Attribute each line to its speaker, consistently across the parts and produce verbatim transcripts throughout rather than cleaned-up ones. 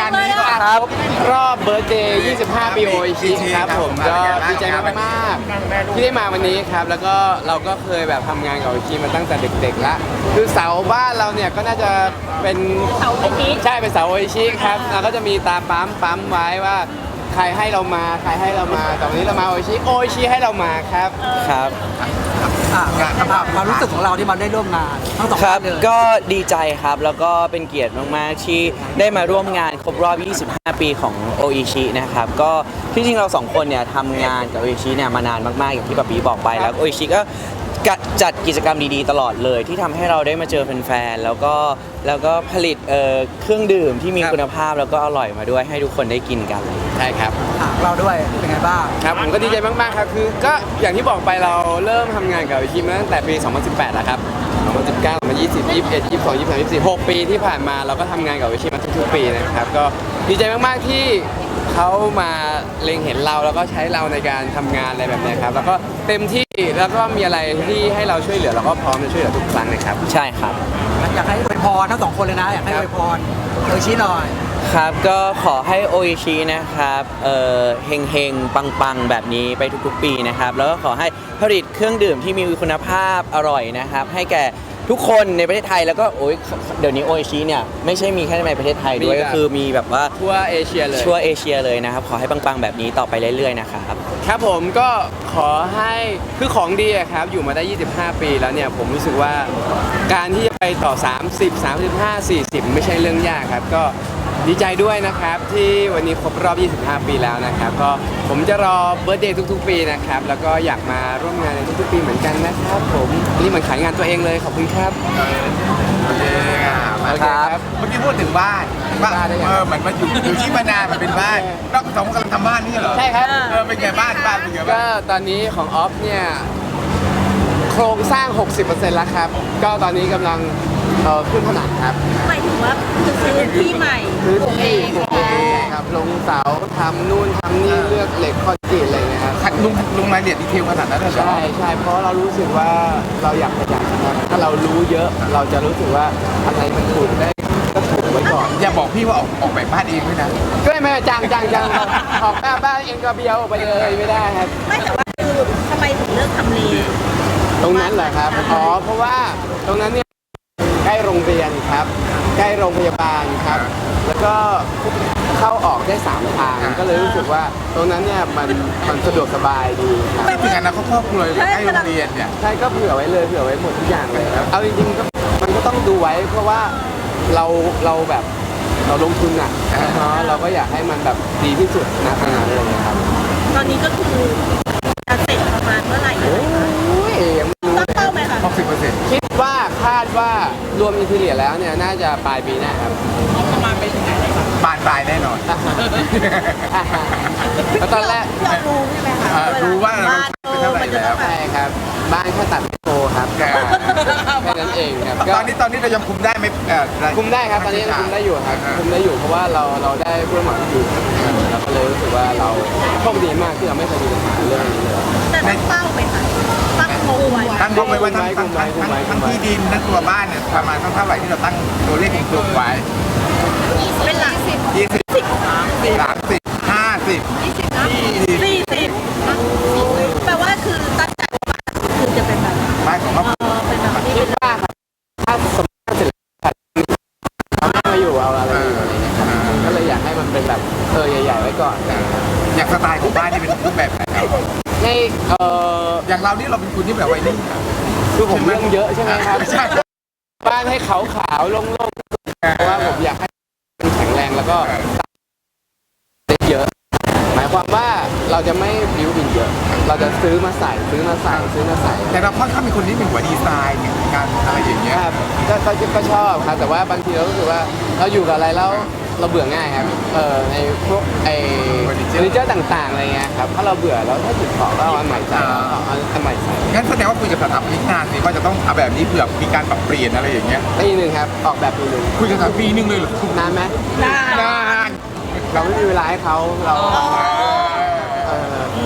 Speaker 1: านนี้ก็
Speaker 2: ครับรอบเบิร์ธเดย์ ยี่สิบห้า ปีโออิชิครับผมก็ดีใจมากๆที่ได้มาวันนี้ครับ แล้วก็เราก็เคยแบบทำงานกับโออิชิมาตั้งแต่เด็กๆแล้วคือเสาบ้านเราเนี่ยก็น่าจะเป็นเสาโออิชิใช่เป็นเสาโออิชิครับเราก็จะมีตาปั๊มปั๊มไว้ว่าใครให้เรามาใครให้เรามาแต่วันนี้เรามาโออิชิโออิชิให้เรามาครับครับ
Speaker 3: อ่ะความรู้สึกของเราที่มาได้ร่วมงานทั้งสอง
Speaker 4: ครั
Speaker 3: ท่า
Speaker 4: บ
Speaker 3: นเลย
Speaker 4: ก็ดีใจครับแล้วก็เป็นเกียรติมากๆที่ได้มาร่วมงานครบรอบ ยี่สิบห้า ปีของโออิชินะครับก็ที่จริงเราสองคนเนี่ยทำงานกับโออิชิเนี่ยมานานมากๆอย่างที่ปะปีบอกไปแล้วโออิชิก็จัดกิจกรรมดีๆตลอดเลยที่ทำให้เราได้มาเจอแฟนๆแล้วก็แล้วก็ผลิตเอ่อเครื่องดื่มที่มีคุณภาพแล้วก็อร่อยมาด้วยให้ทุกคนได้กินกัน
Speaker 2: ใช่ครับ
Speaker 3: อ่ะเราด้วยเป็นไงบ้าง
Speaker 2: ครับผมก็ดีใจมากๆครับคือก็อย่างที่บอกไปเราเริ่มทำงานกับโออิชิมาตั้งแต่ปี สองพันสิบแปด แล้วครับ สองพันสิบเก้า สองพันยี่สิบ ยี่สิบเอ็ด ยี่สิบสอง ยี่สิบสาม ยี่สิบสี่ หกปีที่ผ่านมาเราก็ทำงานกับโออิชิมาทุกๆปีนะครับก็ดีใจมากๆที่เขามาเล็งเห็นเราแล้วก็ใช้เราในการทำงานอะไรแบบนี้ครับแล้วก็เต็มที่แล้วก็มีอะไรที่ให้เราช่วยเหลือเราก็พร้อมจะช่วยเหลือทุกครั้งนะครับ
Speaker 4: ใช่ครับ
Speaker 3: อยากให้อวยพรทั้งสองคนเลยนะอยากให้อวยพรโดยชี้หน่อย
Speaker 4: ครับก็ขอให้โออิชินะครับเอ่อเฮงเฮงปังปังๆแบบนี้ไปทุกๆปีนะครับแล้วก็ขอให้ผลิตเครื่องดื่มที่มีคุณภาพอร่อยนะครับให้แก่ทุกคนในประเทศไทยแล้วก็โอ้ยเดี๋ยวนี้โออิชิเนี่ยไม่ใช่มีแค่ในประเทศไทยด้วยก็คือมีแบบว่า
Speaker 2: ทั่วเอเชียเลย
Speaker 4: ทั่วเอเชียเลยนะครับขอให้ปังๆแบบนี้ต่อไปเรื่อยๆนะครับ
Speaker 2: ครับผมก็ขอให้คือของดีอะครับอยู่มาได้ ยี่สิบห้า ปีแล้วเนี่ยผมรู้สึกว่าการที่จะไปต่อ สามสิบ สามสิบห้า สี่สิบ ไม่ใช่เรื่องยากครับก็ดีใจด้วยนะครับที่วันนี้ครบรอบ ยี่สิบห้า ปีแล้วนะครับก็ผมจะรอเบิร์ธเดย์ทุกๆ ปีนะครับแล้วก็อยากมาร่วมงานในทุกๆปีเหมือนกันนะครับผมนี่เหมือนขายงานตัวเองเลยขอบคุณครับ
Speaker 1: โอเคครับเมื่อกี้พูดถึงบ้านบ้านเออเหมือนมาอยู่อยู่ที่มานานมันเป็นบ้านเราสองคนกำลังทำบ้านนี่เหรอ
Speaker 2: ใช่ครับ
Speaker 1: เออเป็นไงบ้านบ้านเป็นไงบ้าง
Speaker 2: ก็ตอนนี้ของออฟเนี่ยโครงสร้าง หกสิบเปอร์เซ็นต์ แล้วครับก็ตอนนี้กำลังเอ่อขึ้นผนังครับ
Speaker 5: หมายถึงว่าซื้อที่ใหม่
Speaker 2: พื้นที่ปลูกเองครับลงเสาทำนู่นทำนี่เลือกเหล็กคอนกรีตอะไรเงี้ยครับ
Speaker 1: ลุงลุงรายละเอียดดีเทลขนาดนั้นเลยเหรอ
Speaker 2: ใช่ใช่เพราะเรารู้สึกว่าเราอยากประหยัดนะครับถ้าเรารู้เยอะเราจะรู้สึกว่าอะไรมันถูกได้ก็ถูกไว้ก่อน
Speaker 1: อย่าบอกพี่ว่าออกออกแบบบ้านเองด้วยนะ
Speaker 2: ก็ไม่จังจังจังออกบ้านเองก็เบี้ยวออกไปเลยไม่ได้ครับ
Speaker 5: ไม่แต่ว่าคือทำไมถึงเลือกทำเล
Speaker 2: ตรงนั้นเหรอครับอ๋อเพราะว่าตรงนั้นเนี่ยใกล้โรงเรียนครับใกล้โรงพยาบาลครับแล้วก็เข้าออกได้สามทางก็เลยรู้สึกว่าตรงนั้นเนี่ยมันมันสะดวกสบายดีครับ
Speaker 1: ไม่ถึงอนาคตครอบครัวใกล้โรงเรียนเนี่ย
Speaker 2: ใช่ก็เผื่อไว้เลยเผื่อไว้หมดทุกอย่างเลยครับเอาจริงๆก็มันก็ต้องดูไว้เพราะว่าเราเราแบบเราลงทุนอ่ะเนาะเราก็อยากให้มันแบบดีที่สุดนะขนาดนั้นเลยครับ
Speaker 5: ตอนนี้ก็คือจะเสร็จประมาณเมื่อไหร่
Speaker 2: โอ้ยยังไม่รู้
Speaker 5: ตั้งเป้าไหมคะ
Speaker 1: หกสิบเปอร์เซ็นต์
Speaker 2: คิดว่าคาดว่ารวมอินทีเรียแล้วเนี่ยน่าจะปลายปีหน้าครับ
Speaker 5: ประมาณไปถึงไหนเลยคะ
Speaker 1: บานปลายแน่นอน
Speaker 2: แล้วตอนแรก
Speaker 5: เรารู้ใช่ไหมคะ
Speaker 1: รู้ว่าเราเป็นเท่าไหร่แล้ว
Speaker 2: ใช่ครับบ้านแค่ตัดไม่โตครับแค่นั้นเองครับ
Speaker 1: ตอนนี้ตอนนี้เรายังคุมได้ไหม
Speaker 2: คุมได้ครับตอนนี้ยังคุมได้อยู่ครับคุมได้อยู่เพราะว่าเราเราได้ผู้รับเหมาที่ดีเราก็เลยรู้สึกว่าเราโชคดีมากที่เราไม่เคยมีปัญหาเรื่องนี้เลย
Speaker 5: แต่ตั้งเป้าไหมคะตั้งงบไว้
Speaker 1: ตั้งงบไว้ว่าทั้งทั้งทั้งที่ดินทั้งตัวบ้านเนี่ยประมาณเท่าไหร่ที่เราตั้งตัวเลขกลมไว้
Speaker 5: เป็นหลักสิบ
Speaker 1: ยี่สิบสามสิบห้าสิบ
Speaker 5: ยี่สิบสี่สิบแปลว่าคือตั้งใจว่าคือจะเป็นแบบ
Speaker 1: บ้านของเรา
Speaker 5: เป็นแบบนี้
Speaker 2: คิดว่าถ้าสมมติเสร็จเราไม่มาอยู่เอาอะไรอยู่อะไรเงี้ยครับก็เลยอยากให้มันเป็นแบบเออใหญ่ๆไว้ก่อน
Speaker 1: อยากสไตล์ของบ้านที่เป็นรูปแบบไหน
Speaker 2: ในเออ
Speaker 1: อย่างเรานี่เราเป็นคนที่แบบวัยรุ่น
Speaker 2: คือผมเรื่องเยอะใช่ไหมครับบ้านให้ขาวๆโล่งๆเพราะว่าผมอยากให้มันแข็งแรงแล้วก็เยอะหมายความว่าเราจะไม่บิวบินเยอะเราจะซื้อมาใส่ซื้อมาใส่ซื้อมาใส่
Speaker 1: แต่เราค่อนข้างเป็นคนที่เป็นหัวดีไซน์การอะไรอย่างเงี้ย
Speaker 2: ครับก็ก็ชอบครับแต่ว่าบางทีเรารู้สึกว่าเราอยู่กับอะไรแล้วเราเบื่อง่ายครับเออในพวกไอ้เฟอร์นิเจอร์ต่างๆอะไรเงี้ยครับถ้าเราเบื่อแล้วถ้าจุดของก็เอาอันใหม่ใส่เอาอันใหม่ใส่
Speaker 1: งั้นแสดงว่าคุยกับสถาปนิกนานสิว่าจะต้องเอาแบบนี้เผื่อมีการปรับเปลี่ยนอะไรอย่างเงี้ย
Speaker 2: ปีหนึ่งครับออกแบบปีหนึ่ง
Speaker 1: คุยกันปีหนึ่งเลยเหรอน
Speaker 2: านไหม
Speaker 5: นาน
Speaker 1: นาน
Speaker 2: เราไม่มีเวลาให้เขาเรา
Speaker 5: แ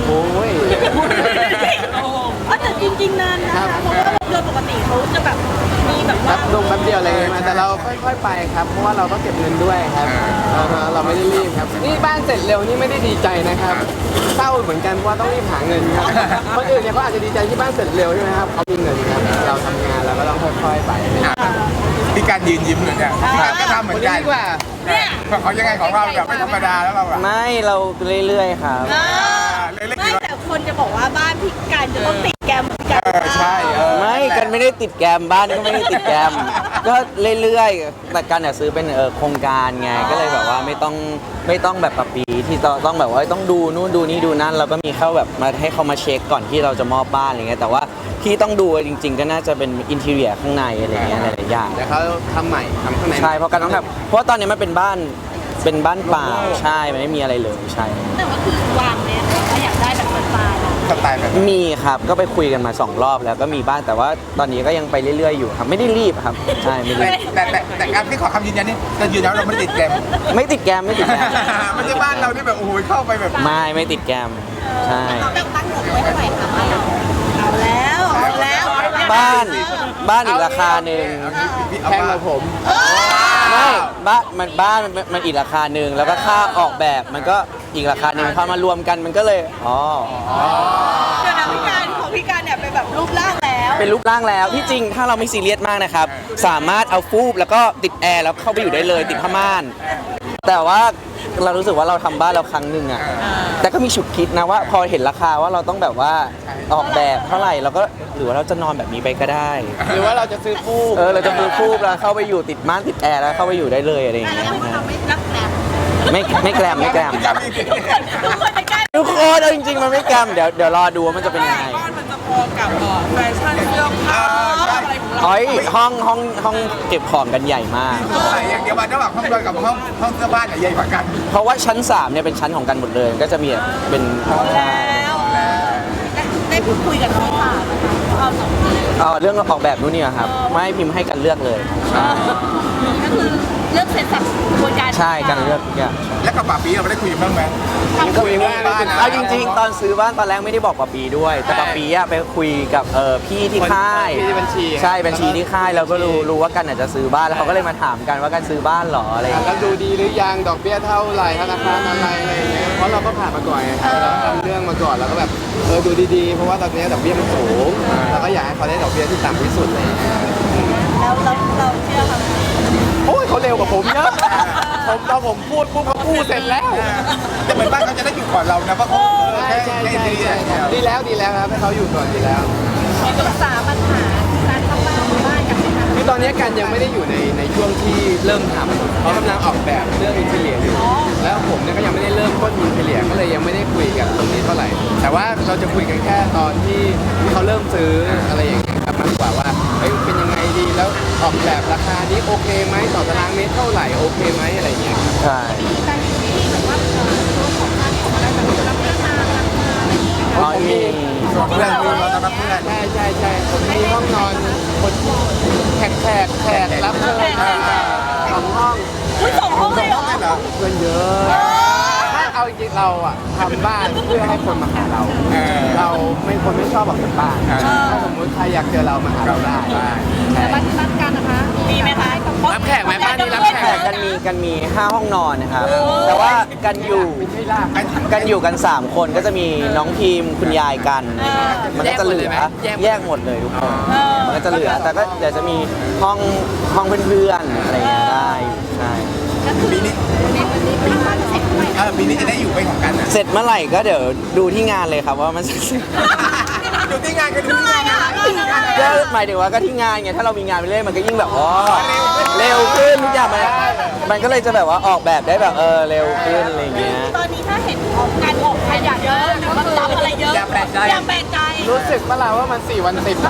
Speaker 2: โอ้ย
Speaker 5: อ๋อแต่จริงๆนานนะคะเพราะว่าโดยปกติเขาจะแบบมีแบบ
Speaker 2: แป๊
Speaker 5: ว่า
Speaker 2: บลงแป๊บเดียวอะไรอย่างเงี้ยมาแต่เราค่อยๆไปครับเพราะว่าเราก็เก็บเงินด้วยครับอ่าฮะเราไม่ได้รีบครับนี่บ้านเสร็จเร็วนี่ไม่ได้ดีใจนะครับเศร้าเหมือนกันเพราะว่าต้องรีบหาเงินครับคนอื่นเนี่ยเขาอาจจะดีใจที่บ้านเสร็จเร็วใช่ไหมครับเขามีเงินครับเราทำงานเราก็ต้องค่อยๆไป
Speaker 1: มีการยืนยิ้มเลยเนี่ยก็ทำเหมื
Speaker 2: ค
Speaker 1: อน น
Speaker 2: นี้
Speaker 1: กัน
Speaker 2: ดีกว่า
Speaker 5: เนี่ย
Speaker 1: เขายังไงของเราแบบไม่ธรรมดาแล้วเราอะ
Speaker 4: ไม่เราเรื่อยๆครับ
Speaker 5: เออไม่แต่คนจะบอกว่าบ้านพี่การจะต้องติดแกรมเหมือนกัน
Speaker 1: เออใช่เออ
Speaker 4: ไม่กันไม่ได้ติดแกรมบ้านก็ไม่ได้ติดแกรมก็เรื่อยๆแต่กันเนี่ยซื้อเป็นเออโครงการไงก็เลยแบบว่าไม่ต้องไม่ต้องแบบปะปีที่ต้องต้องแบบว่าต้องดูนู่นดูนี่ดูนั่นเราก็มีเข้าแบบมาให้เขามาเช็คก่อนที่เราจะมอบบ้านอะไรเงี้ยแต่ว่าที่ต้องดูจริง ๆ ก็น่าจะเป็นอินทีเรียข้างในอะไรเงี้ยหลายๆอย่าง
Speaker 2: เดี๋ยวเขาทำใหม่ทำข้างใน
Speaker 4: ใช่เพราะกันต้องแบบเพราะว่าตอนนี้มันเป็นบ้านเป็นบ้านเปล่าใช่มันไม่มีอะไรเลยใช่
Speaker 5: แต่ว่าคือวางเนี่ยถ้าอยากได้แบบสไตล์อะ
Speaker 1: สไตล์แบบ
Speaker 4: มีครับก็ไปคุยกันมาสองรอบแล้วก็มีบ้างแต่ว่าตอนนี้ก็ยังไปเรื่อยๆอยู่ครับไม่ได้รีบครับใช่ไม่รีบ
Speaker 1: แต่แต่แต่การที่ขอคำยืนยันนี่จะยืนยันว่าเราไม่ติดแกม
Speaker 4: ไม่ติดแกรมไม่ติดแกรม
Speaker 1: ไม่ใช่บ้านเราที่แบบโอ้โหเข้าไปแบบ
Speaker 4: ไม่ไม่ติดแกรมใช่
Speaker 5: เราแบบตั้งงบไว้เท่าไหร่คะบ้านเราเอาแล้วเอาแล้ว
Speaker 4: บ้านบ้านอีกราคาหนึ่ง
Speaker 2: แพงกว่าผม
Speaker 4: ไม่บ้านมันบ้านมันมันอีกราคาหนึ่งแล้วก็ค่าออกแบบมันก็อีกราคาหนึ่งพอมารวมกันมันก็เลยอ๋อ
Speaker 5: เดี๋ยวนะพี่การของพี่การเนี่ยเป็นแบบรูปร่างแล้ว
Speaker 4: เป็นรูปร่างแล้วที่จริงถ้าเราไม่ซีเรียสมากนะครับสามารถเอาฟูบแล้วก็ติดแอร์แล้วเข้าไปอยู่ได้เลยติดผ้าม่าน แต่ว่าเรารู้สึกว่าเราทำบ้านเราครั้งหนึ่งอะแต่ก็มีฉุกคิดนะว่าพอเห็นราคาว่าเราต้องแบบว่าออกแบบเท่าไหร่เราก็หรือว่าเราจะนอนแบบนี้ไปก็ได้
Speaker 2: หรือว่าเราจะซื้อฟูก
Speaker 4: เออเราจะมือฟูบแล้วเข้าไปอยู่ติดม่านติดแอร์แล้วเข้าไปอยู่ได้เลยอะไรอย่าง
Speaker 5: แล้
Speaker 4: เงี้
Speaker 5: วย พวกเราไม่รับแกรม
Speaker 4: ไม่ไม่แกรมไม่แกรม
Speaker 5: ทุกคนจะแกล้ง
Speaker 4: ทุกคนเอาจริงๆมันไม่แกรมเดี๋ยวเดี๋ยวรอดูว่ามันจะเป็นยังไง
Speaker 6: มันจะพอกับเอ่อแฟชั่นเสื้อผ้าอะไรของเรา
Speaker 4: อ๋อยห้องห้องห้องเก็บของกันใหญ่มาก
Speaker 1: ใส่อย่างเดียวมาระหว่างห้องนอนกับห้องห้องเสื้อผ้าเนี่ยใหญ่กว่ากัน
Speaker 4: เพราะว่าชั้นสามเนี่ยเป็นชั้นของกันหมดเลย ก็จะมีแบบเป็น
Speaker 5: แล้วได้พูดคุยกับน้องค่ะเอาสองคน
Speaker 4: เอ่อเรื่องออกแบบนู่นนี่อะครับไม่ให้พิมพ์ให้กันเลือกเลย
Speaker 5: ก็คือเลือกเสร็จสับกระบวนการ
Speaker 4: ใช่กันเลือกทุกอย่าง
Speaker 1: แล้วกับป่าปีเราไม่ได้คุยกันบ้างไหม
Speaker 2: คุยว่า
Speaker 1: บ้านนะ
Speaker 4: เอาจริง ๆ ตอนซื้อบ้านตอนแรกไม่ได้บอกปาปีด้วย แต่ปาปีอะไปคุยกับเออพี่ที่ค่าย
Speaker 2: ที่บัญชี
Speaker 4: ใช่บัญชีที่ค่ายเราก็รู้รู้ว่ากันอาจจะซื้อบ้านแล้วเขาก็เลยมาถามกันว่ากันซื้อบ้านเหรออะไรอย่าง
Speaker 2: แล้ว
Speaker 4: เงี้ย
Speaker 2: ดูดีหรือยังดอกเบี้ยเท่าไหร่ธนาคารอะไรอะไรอย่างเงี้ยเพราะเราก็ผ่านมาก่อนไงครับเราทำเรื่องมาก่อนเราก็แบบเออดูดีๆเพราะว่าตอนนี้ดอกเบี้ยมันสูงเราก็อยากให้เขาได้ดอกเบี้ยที่ต่ำที่สุดเลย
Speaker 5: แล้วเราเราเชื่อค่ะ
Speaker 2: โอ้ยเขาเร็วกว่าผมเยอะผมตอนผมพูดปุ๊บเขาพูดเสร็จแล้ว
Speaker 1: แต่เหมือนบ้านเขาจะได้อยู่ก่อนเรานะเพราะเขาแค่
Speaker 2: ใช่
Speaker 1: แค่
Speaker 2: ใช่
Speaker 1: ดี
Speaker 2: ใช่ใช่ดีแล้วดีแล้วครับให้เขาอยู่ก่อนดีแล้ว
Speaker 5: ปรึกษาปัญหาการทำบ้านบ้านกันไหมคะ
Speaker 2: คือตอนนี้กันยังไม่ได้อยู่ในในช่วงที่เริ่มทำเขากำลังออกแบบเรื่องอินเทเลียอยู่แล้วผมเนี่ยก็ยังไม่ได้เริ่มต้นอินเทเลียก็เลยยังไม่ได้คุยกันตรงนี้เท่าไหร่ แต่ว่าเราจะคุยกันแค่ตอนที่ที่เขาเริ่มซื้ออะไรอย่างเงี้ยครับมากกว่าว่าเฮ้ยเป็นยังไงดีแล้วออกแบบราคานี้โอเคไหมต่อตารางเมตรเท่าไหร่โอเคไหมอะไรอย่างเงี้ยครับ
Speaker 4: ใช่
Speaker 5: การอยู่ที่แบบว่าตัวของการของอะไรแบบรับเรื่องมารับมาอะไรอย่างเงี้ย
Speaker 4: อ๋อมี
Speaker 1: ส่วนเพื่อนมีเราจะรับเพื่อน
Speaker 2: ใช่ใช่ใช่ผมมีห้องนอนคนแขกแขกแขกรับเชิญสองห้อง
Speaker 5: อุ้ยสองห้องเลยเหรอ
Speaker 1: เหรอ
Speaker 2: เพื่อนเยอะถ้าเอาจริงๆเราอ่ะทำบ้านเพื่อให้คนมาหาเรา
Speaker 1: เออ
Speaker 2: เราไม่คนไม่ชอบออกจากบ้าน ถ้าสมมติใครอยากเจอเรามาหาเราได้ใช่
Speaker 5: บ้านที่บ้านกันนะคะมีไหมคะ
Speaker 2: รับแขกไหมบ้านนี้รับแข
Speaker 4: แขกกันมีกันมีห้าห้องนอนนะครับ แต่ว่ากันอยู่
Speaker 2: ไม่ลาก
Speaker 4: กันอยู่กันสามคนก็จะมีน้องพิมพ์คุณยายกัน มันก็จะเหลือแยกหมดเลยทุกคนมันก็จะเหลือแต่ก็เดี๋ยวจะมีห้องห้องเพื่อนๆอะไรอย่างเงี้ยได้อยู่ใช่
Speaker 1: ปีนี้
Speaker 5: ปีบ้านเสร็จไหม
Speaker 1: เออปีนี้จะได้อยู่ไปของกันนะ
Speaker 4: เสร็จเมื่อไหร่ก็เดี๋ยวดูที่งานเลยครับว่ามันเสร็จ
Speaker 1: ดูที่งานกันดูที่งานนะ
Speaker 4: ก็หมายถึงว่าก็ที่งานไงถ้าเรามีงานไปเรื่อยมันก็ยิ่งแบบอ๋อเร็วขึ้นทุกอย่างมันมันก็เลยจะแบบว่าออกแบบได้แบบเออเร็วขึ้นอะไรอย่างเงี้ย
Speaker 5: ตอนนี้ถ้าเห็นการออกขยะเยอะหรือว่าทำอะไรเยอะอย่าแปลกใจอย่าแปลกใจ
Speaker 2: รู้สึกเมื่อไหร่ว่ามันสี่วันติด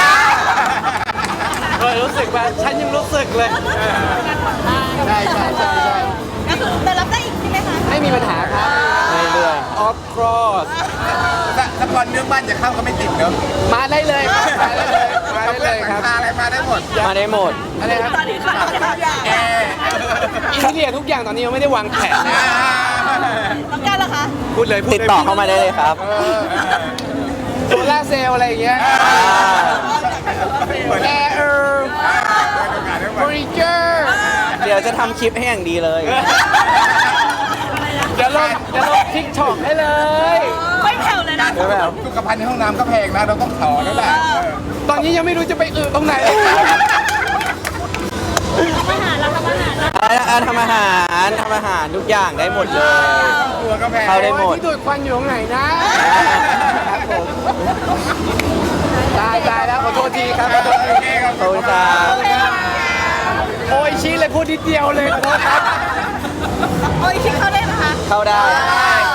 Speaker 2: เออรู้สึกว่าฉันยังรู้สึกเลยใช่ใช่ใช่ใช่
Speaker 5: ก็คือแต่รับได้อีกใช่ไหมคะ
Speaker 2: ไม่มีปัญหาครับ
Speaker 4: เรื่อย
Speaker 2: of course
Speaker 1: ถ้าถ้าก่อนเรื่องบ้านจะเข้าก็ไม่ติดเนอะ
Speaker 2: มาได้เลยครับมาได้เลยมาได้เลยครับ
Speaker 1: อะไรมาได้หมด
Speaker 4: มาได้หมด
Speaker 2: อะไรครับ
Speaker 5: ตอนนี้ค่ะ
Speaker 1: แอร์
Speaker 2: อินเทเลียทุกอย่างตอนนี้ยังไม่ได้วางแผนนะ
Speaker 5: ต้องการเหรอคะ
Speaker 2: คุพูดเลยพูด
Speaker 4: ติด
Speaker 2: เลย
Speaker 4: ต่อเข้ามาได้เลยครับ
Speaker 2: โซล่าร์เซลล์อะไรอย่างเงี้ยแอร์เออร์เฟอร์นิเจอร์
Speaker 4: เดี๋ยวจะทำคลิปให้อย่างดีเลย
Speaker 2: เดี๋ยวลงเดี๋ยวลงทิกช็อกให้เลย
Speaker 5: ไม่แผ่วเลยนะ
Speaker 4: ใช่ไหมครับ
Speaker 1: สุขภัณฑ์ในห้องน้ำก็แพงนะเราต้องถอแล้วแหละเออ
Speaker 2: ตอนนี้ยังไม่รู้จะไปอึตรงไหนเลยครับ
Speaker 5: ทำอาหารเราทำอาหารเรา
Speaker 4: อ่าอ่าทำอาหารทำอาหารทุกอย่างได้หมดเลย
Speaker 1: ตัวก็แพง
Speaker 4: เข้าได้หมด
Speaker 2: ที่ดูดควันอยู่ตรงไหนนะครับผมตายตายแล้วขอโทษทีครับขอโทษที
Speaker 1: โอเคครับ
Speaker 4: ขอบคุณครับ
Speaker 2: โอ้ยชี้เลยพูดนิดเดียวเลยขอโทษครับ
Speaker 5: โอ้ยคิดเขาได้ไหมคะ
Speaker 4: เข้าได้
Speaker 1: ไ